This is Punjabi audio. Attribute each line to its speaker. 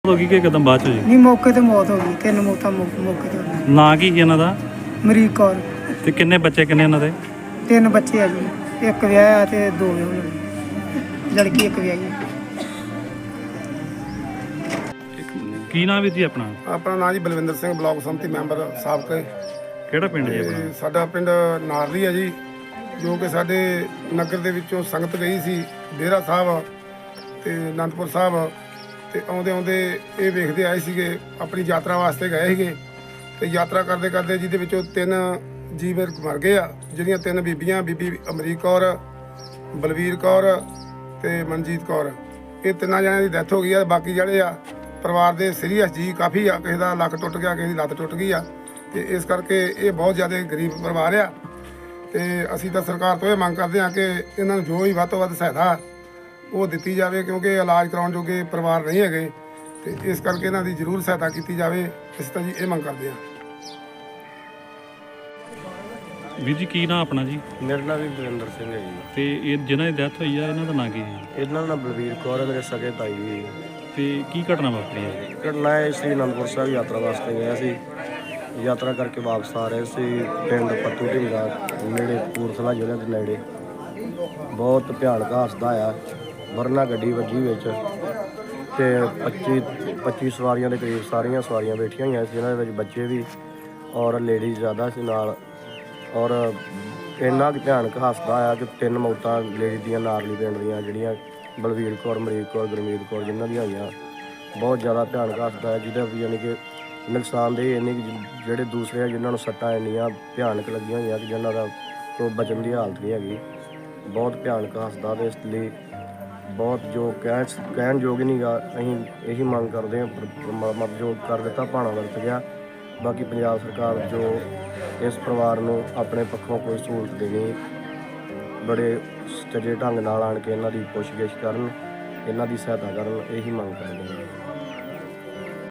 Speaker 1: ਹੋ ਗਈ ਕਿ ਇੱਕਦਮ ਬਾਅਦ ਚ ਜੀ?
Speaker 2: ਨਹੀਂ, ਮੌਕੇ ਤੇ ਮੌਤ ਹੋ ਗਈ। 3 ਮੌਤਾਂ ਮੌਕੇ ਤੇ ਹੋ ਗਈਆਂ।
Speaker 1: ਨਾਂ ਕੀ ਸੀ ਇਹਨਾਂ ਦਾ
Speaker 2: ਅਮਰੀਕ ਕੌਰ।
Speaker 1: ਤੇ ਕਿੰਨੇ ਬੱਚੇ ਕਿੰਨੇ ਇਹਨਾਂ ਦੇ?
Speaker 2: 3 ਬੱਚੇ ਆ ਜੀ, ਇੱਕ ਵਿਆਹਿਆ ਤੇ 2 ਵਿਆਹੁਣ। ਲੜਕੀ ਇੱਕ ਵਿਆਹੀ ਹੈ।
Speaker 1: ਕੀ ਨਾਂ ਵੀ ਜੀ ਆਪਣਾ?
Speaker 3: ਆਪਣਾ ਨਾਂ ਜੀ ਬਲਵਿੰਦਰ ਸਿੰਘ, ਬਲਾਕ ਸੰਮਤੀ ਮੈਂਬਰ ਸਾਬਕਾ।
Speaker 1: ਕਿਹੜਾ ਪਿੰਡ ਜੀ ਆਪਣਾ?
Speaker 3: ਤੇ ਸਾਡਾ ਪਿੰਡ ਨਾਰਲੀ ਹੈ ਜੀ, ਜੋ ਕਿ ਸਾਡੇ ਨਗਰ ਦੇ ਵਿੱਚੋਂ ਸੰਗਤ ਗਈ ਸੀ ਡੇਰਾ ਸਾਹਿਬ ਤੇ ਅਨੰਦਪੁਰ ਸਾਹਿਬ। ਤੇ ਆਉਂਦੇ ਆਉਂਦੇ ਇਹ ਵੇਖਦੇ ਆਏ ਸੀਗੇ, ਆਪਣੀ ਯਾਤਰਾ ਵਾਸਤੇ ਗਏ ਸੀਗੇ। ਤੇ ਯਾਤਰਾ ਕਰਦੇ ਕਰਦੇ ਜਿਹਦੇ ਵਿੱਚੋਂ 3 ਜੀਵ ਮਰ ਗਏ ਆ। ਜਿਹੜੀਆਂ 3 ਬੀਬੀਆਂ, ਬੀਬੀ ਅਮਰੀਕ ਕੌਰ, ਬਲਵੀਰ ਕੌਰ ਤੇ ਮਨਜੀਤ ਕੌਰ, ਇਹ 3 ਜਣਿਆਂ ਦੀ ਡੈਥ ਹੋ ਗਈ ਆ। ਬਾਕੀ ਜਿਹੜੇ ਆ ਪਰਿਵਾਰ ਦੇ ਸੀਰੀਅਸ ਜੀ ਕਾਫੀ ਆ, ਕਿਸੇ ਦਾ ਲੱਕ ਟੁੱਟ ਗਿਆ, ਕਿਸੇ ਦੀ ਲੱਤ ਟੁੱਟ ਗਈ ਆ। ਤੇ ਇਸ ਕਰਕੇ ਇਹ ਬਹੁਤ ਜ਼ਿਆਦਾ ਗਰੀਬ ਪਰਿਵਾਰ ਆ। ਤੇ ਅਸੀਂ ਤਾਂ ਸਰਕਾਰ ਤੋਂ ਇਹ ਮੰਗ ਕਰਦੇ ਹਾਂ ਕਿ ਇਹਨਾਂ ਨੂੰ ਜੋ ਵੀ ਵੱਧ ਤੋਂ ਵੱਧ ਸਹਾਇਤਾ ਉਹ ਦਿੱਤੀ ਜਾਵੇ, ਕਿਉਂਕਿ ਇਲਾਜ ਕਰਾਉਣ ਜੋਗੇ ਪਰਿਵਾਰ ਨਹੀਂ ਹੈਗੇ। ਤੇ ਇਸ ਕਰਕੇ ਇਹਨਾਂ ਦੀ ਜ਼ਰੂਰ ਸਹਾਇਤਾ ਕੀਤੀ ਜਾਵੇ। ਅਸੀਂ ਤਾਂ ਜੀ ਇਹ ਮੰਗ ਕਰਦੇ ਹਾਂ।
Speaker 1: ਵੀਰ ਜੀ ਕੀ ਨਾਂ ਆਪਣਾ ਜੀ?
Speaker 4: ਮੇਰਾ ਨਾਮ ਵੀ ਬਲਵਿੰਦਰ ਸਿੰਘ ਹੈ ਜੀ।
Speaker 1: ਤੇ ਇਹ ਜਿਨ੍ਹਾਂ ਦੀ ਡੈਥ ਹੋਈ ਆ ਇਹਨਾਂ ਦਾ ਨਾਂ ਕੀ ਸੀ?
Speaker 4: ਇਹਨਾਂ ਦਾ ਬਲਵੀਰ ਕੌਰ ਹੈ, ਮੇਰੇ ਸਕੇ ਤਾਈ ਜੀ।
Speaker 1: ਤੇ ਕੀ ਘਟਨਾ ਵਾਪਰੀ ਹੈ?
Speaker 4: ਘਟਨਾ ਹੈ ਸ੍ਰੀ ਅਨੰਦਪੁਰ ਸਾਹਿਬ ਯਾਤਰਾ ਵਾਸਤੇ ਗਿਆ ਸੀ। ਯਾਤਰਾ ਕਰਕੇ ਵਾਪਸ ਆ ਰਹੇ ਸੀ ਪਿੰਡ ਪੱਤੂ ਢਿੰਗਾ ਨੇੜੇ, ਕਪੂਰਥਲਾ ਜ਼ਿਲ੍ਹੇ ਦੇ ਨੇੜੇ। ਬਹੁਤ ਭਿਆਨਕ ਹਾਦਸਾ ਆਇਆ। ਵਰਨਾ ਗੱਡੀ ਵੱਜੀ ਵਿੱਚ ਤੇ 25 ਸਵਾਰੀਆਂ ਦੇ ਕਰੀਬ ਸਾਰੀਆਂ ਸਵਾਰੀਆਂ ਬੈਠੀਆਂ ਹੋਈਆਂ ਸੀ, ਜਿਹਨਾਂ ਦੇ ਵਿੱਚ ਬੱਚੇ ਵੀ ਔਰ ਲੇਡੀਜ਼ ਜ਼ਿਆਦਾ ਸੀ ਨਾਲ। ਔਰ ਇੰਨਾ ਕੁ ਭਿਆਨਕ ਹਾਦਸਾ ਆਇਆ ਕਿ 3 ਮੌਤਾਂ ਲੇਡੀਜ਼ ਦੀਆਂ ਨਾਰਲੀ ਪਿੰਡ ਦੀਆਂ, ਜਿਹੜੀਆਂ ਬਲਵੀਰ ਕੌਰ, ਅਮਰੀਕ ਕੌਰ, ਗੁਰਮੀਤ ਕੌਰ, ਜਿਨ੍ਹਾਂ ਦੀਆਂ ਹੋਈਆਂ। ਬਹੁਤ ਜ਼ਿਆਦਾ ਭਿਆਨਕ ਹਾਦਸਾ ਹੈ, ਜਿਹਦਾ ਵੀ ਯਾਨੀ ਕਿ ਨੁਕਸਾਨਦੇਹ ਇੰਨੀ ਜਿਹੜੇ ਦੂਸਰੇ ਜਿਨ੍ਹਾਂ ਨੂੰ ਸੱਟਾਂ ਇੰਨੀਆਂ ਭਿਆਨਕ ਲੱਗੀਆਂ ਹੋਈਆਂ ਕਿ ਜਿਹਨਾਂ ਦਾ ਕੋਈ ਬਚਣ ਦੀ ਹਾਲਤ ਨਹੀਂ ਹੈਗੀ। ਬਹੁਤ ਭਿਆਨਕ ਹਾਦਸਾ ਤੇ ਇਸ ਲਈ ਬਹੁਤ ਜੋ ਕਹਿਣ ਯੋਗ ਹੀ ਨਹੀਂਗਾ। ਅਸੀਂ ਇਹੀ ਮੰਗ ਕਰਦੇ ਹਾਂ, ਪਰਮਾਤਮਾ ਜੋ ਕਰ ਦਿੱਤਾ ਭਾਣਾ ਵਰਤ ਗਿਆ। ਬਾਕੀ ਪੰਜਾਬ ਸਰਕਾਰ ਜੋ ਇਸ ਪਰਿਵਾਰ ਨੂੰ ਆਪਣੇ ਪੱਖੋਂ ਕੋਈ ਸਹੂਲਤ ਦੇਣੀ, ਬੜੇ ਸੱਚੇ ਢੰਗ ਨਾਲ ਆਣ ਕੇ ਇਹਨਾਂ ਦੀ ਪੁੱਛਗਿੱਛ ਕਰਨ, ਇਹਨਾਂ ਦੀ ਸਹਾਇਤਾ ਕਰਨ, ਇਹੀ ਮੰਗ ਕਰਦੇ ਹਾਂ।